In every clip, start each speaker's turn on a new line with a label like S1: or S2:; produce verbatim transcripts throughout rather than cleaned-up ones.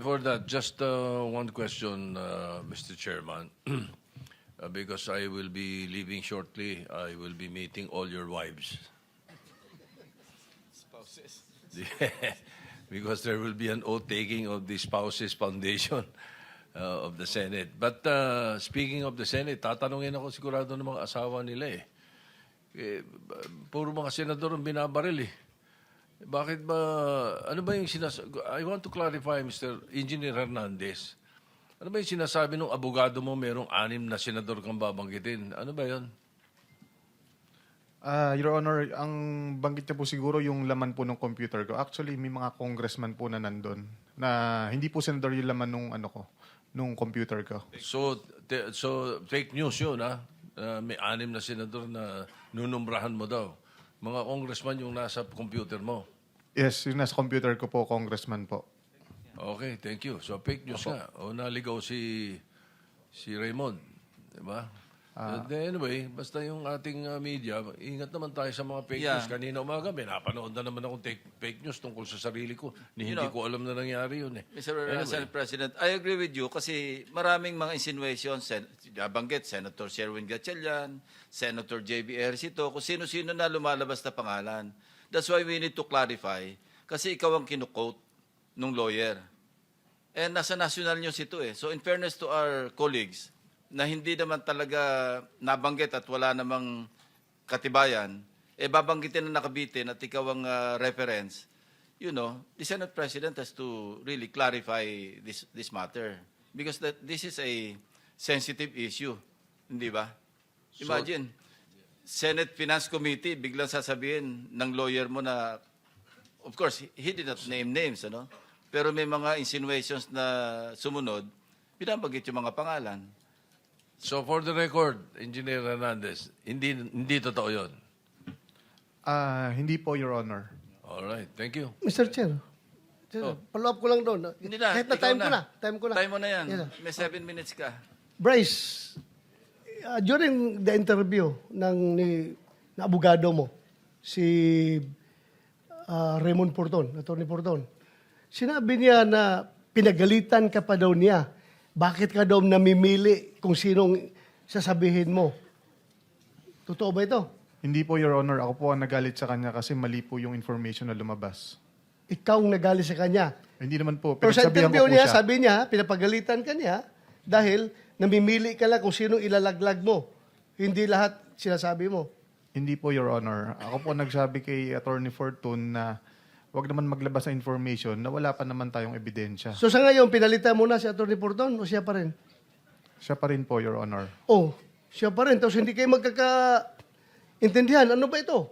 S1: before that, just uh, one question, uh, Mister Chairman. Uh, because I will be leaving shortly, I will be meeting all your wives.
S2: Spouses.
S1: Because there will be an oath-taking of the Spouses Foundation uh, of the Senate. But uh, speaking of the Senate, tatanungin ako sigurado ng mga asawa nila eh. eh puro mga senador ang binabaril eh. Bakit ba, ano ba yung sinasabi? I want to clarify, Mister Engineer Hernandez. Ano ba yung sinasabi ng abogado mo merong anim na senador kang babanggitin? Ano ba yun?
S3: Ah, Your Honor, ang banggit niya po siguro yung laman po ng computer ko. Actually, may mga congressman po na nandun na hindi po senador yung laman nung ano ko, nung computer ko.
S1: So, te- so fake news yun, ha? Uh, may anim na senador na nunumbrahan mo daw. Mga congressman yung nasa computer mo.
S3: Yes, yung nasa computer ko po, congressman po.
S1: Okay, thank you. So fake news nga. O naligaw si si Raymond, di ba?
S3: Ah.
S1: But anyway, basta yung ating uh, media, ingat naman tayo sa mga fake
S2: Yeah.
S1: news. Kanina umaga, may napanood na naman akong take, fake news tungkol sa sarili ko. Ni
S2: You
S1: hindi
S2: know,
S1: ko alam na nangyari yun eh.
S2: Mister
S1: Anyway.
S2: Senate President, I agree with you kasi maraming mga insinuations, sen banggit, Senator Sherwin Gatchalian, Senator J B Ejercito, kung sino-sino na lumalabas na pangalan. That's why we need to clarify kasi ikaw ang kinukote nung lawyer. And nasa national news ito eh. So in fairness to our colleagues, na hindi naman talaga nabanggit at wala namang katibayan, eh babanggitin na nakabitin at ikaw ang uh, reference, you know, the Senate President has to really clarify this this matter. Because that this is a sensitive issue. Hindi ba? Imagine, Senate Finance Committee, biglang sasabihin ng lawyer mo na, of course, he did not name names, ano? Pero may mga insinuations na sumunod, binabanggit yung mga pangalan.
S1: So for the record, Engineer Hernandez, hindi hindi totoo yun.
S3: Ah, hindi po, Your Honor.
S1: All right, thank you.
S4: Mister Chair,
S2: Oh.
S4: follow up ko lang doon.
S2: Hindi na,
S4: Kahit na
S2: ikaw
S4: time ko na. Time ko na.
S2: Time mo na yan.
S4: Yes, sir.
S2: May seven minutes ka.
S4: Bryce, uh, during the interview ng ni, na abogado mo, si uh, Raymond Porton, Attorney Porton, sinabi niya na pinagalitan ka pa daw niya. Bakit ka daw namimili kung sinong sasabihin mo? Totoo ba ito?
S3: Hindi po, Your Honor. Ako po ang nagalit sa kanya kasi mali po yung information na lumabas.
S4: Ikaw ang nagali sa kanya.
S3: Hindi naman po.
S4: Pero sa
S3: Pinagsabihan ko
S4: interview
S3: po
S4: niya,
S3: siya.
S4: sabi niya, pinapagalitan ka niya dahil namimili ka lang kung sinong ilalaglag mo. Hindi lahat sinasabi mo.
S3: Hindi po, Your Honor. Ako po nagsabi kay Attorney Fortune na wag naman maglabas ng information na wala pa naman tayong ebidensya.
S4: So sa ngayon, pinalitan mo na si Atty. Porton o siya pa rin?
S3: Siya pa rin po, Your Honor.
S4: Oh, siya pa rin. Tapos hindi kayo magkakaintindihan. Ano ba ito?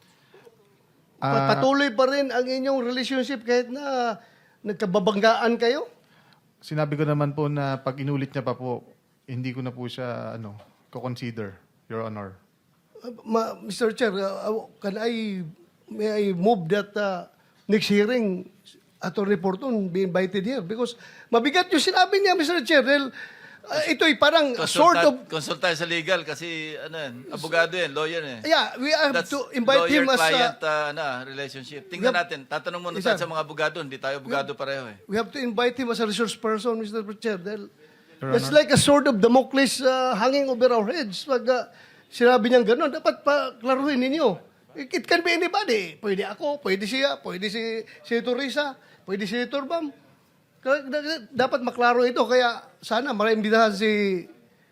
S4: Pa-
S3: Ah,
S4: Patuloy pa rin ang inyong relationship kahit na nagkababanggaan kayo?
S3: Sinabi ko naman po na pag inulit niya pa po, hindi ko na po siya ano, ko-consider, Your Honor.
S4: Uh, ma- Mister Chair, uh, can I, may I move that uh, next hearing, Atty. Porton be invited here? Because mabigat yung sinabi niya, Mister Chair. Dahil uh, ito'y parang sort of...
S2: Consult tayo sa legal kasi ano yan, abogado yan, lawyer yan.
S4: Yeah, we have
S2: That's
S4: to invite him as...
S2: lawyer-client
S4: Uh,
S2: uh, ano, relationship. Tingnan
S4: We have-
S2: natin, tatanong muna
S4: Yes,
S2: tayo
S4: sir.
S2: sa mga abogado, hindi tayo abogado pareho eh.
S4: we have to invite him as a resource person, Mister Chair. Dahil
S3: Your
S4: it's
S3: Honor.
S4: like a sword of Damocles uh, hanging over our heads. Pag uh, sinabi niyang gano'n, dapat pa klaruhin ninyo. It, it can be anybody. Pwede ako, pwede siya, pwede si Senator Risa, pwede si Senator Bam. Kaya da- dapat maklaro ito. Kaya sana maimbitahan si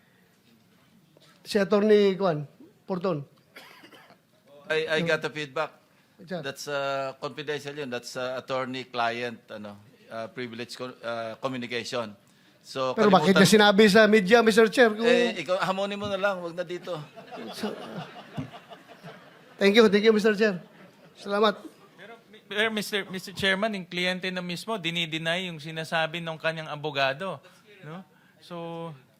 S4: si Attorney Kwan, Porton.
S2: I, I got the feedback.
S4: Sir.
S2: That's uh, confidential yun. That's uh, attorney-client ano, uh, privilege co- uh, communication. So,
S4: Pero bakit
S2: kalimutan-
S4: niya sinabi sa media, Mister Chair? Kung...
S2: Eh, ikaw, hamonin mo na lang, wag na dito.
S4: Thank you, thank you, Mister Chair. Salamat.
S5: Pero Mister Mister Chairman, yung kliyente na mismo, dinideny yung sinasabi ng kanyang abogado. No? So,